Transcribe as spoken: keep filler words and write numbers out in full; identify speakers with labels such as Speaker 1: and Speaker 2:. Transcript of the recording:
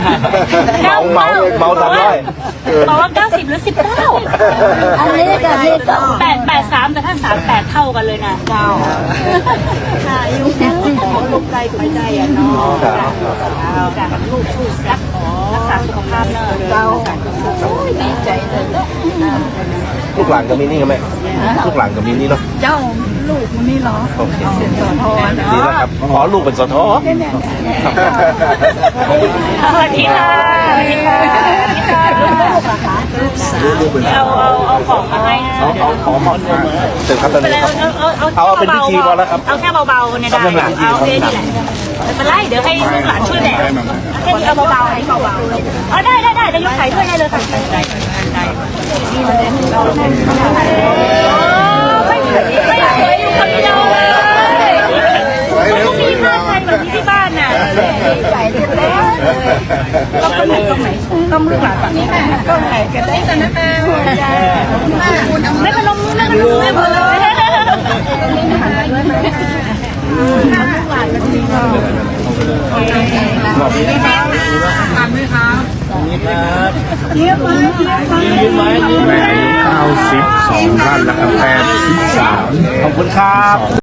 Speaker 1: เมาเมาเมาสามร้อย
Speaker 2: บอกว่าเก้าสิบหรือสิบเก้า
Speaker 3: อันนี้กับนี่ก็
Speaker 2: แปดแปดสามแต่ถ้าสามแปดเท่ากันเลยนะเก้าค่ะยุ่งของลูกใจหัวใจอ่ะเนาะจากลูกผู้รักรักษาสุขภาพเนอะเก้าดีใจเลย
Speaker 1: ลูกหลานกับมินี่กันไหมลูกหลานกับมินี่เนาะ
Speaker 3: เจ้าลูกมันนี่เหรอโอเค
Speaker 1: ดีแล้วครับขอลูกเป็นสท
Speaker 2: สวัสดีค่ะสวัสดีค่ะเอาเอาเอาของมาให้
Speaker 1: เอาเอาของหมดเสร็จครับตอนนี้ครับเอาเป็นพิธีพอแล้วครับ
Speaker 2: เอาแค่เบาๆเนี่ยได้เอาแค่นี้แหละไม่เป็นไรเดี๋ยวให้ลูกหลานช่วยแบกแค่นี้เอาเบาๆให้เบาๆอ๋อได้ได้ได้จะยกไข่ช่วยได้เลยค่ะได้ได้ไม่ไม่สวยอยู่คนเดียวเลยมันต้องมีผ้าไทยแบบนี้ที่บ้านน่ะใส่เสร็จแล้วต้องต้องไหนต้องไหนต้องมือหลังแบบนี้ก็ไหนก็ได้แต่นะแม่ไม่เป็นลมไม่เป็นลมไม่เป็นลม
Speaker 1: แม่อายุเก้าสิบสองท่านแล้วครับแปดสิบสามขอบคุณครับ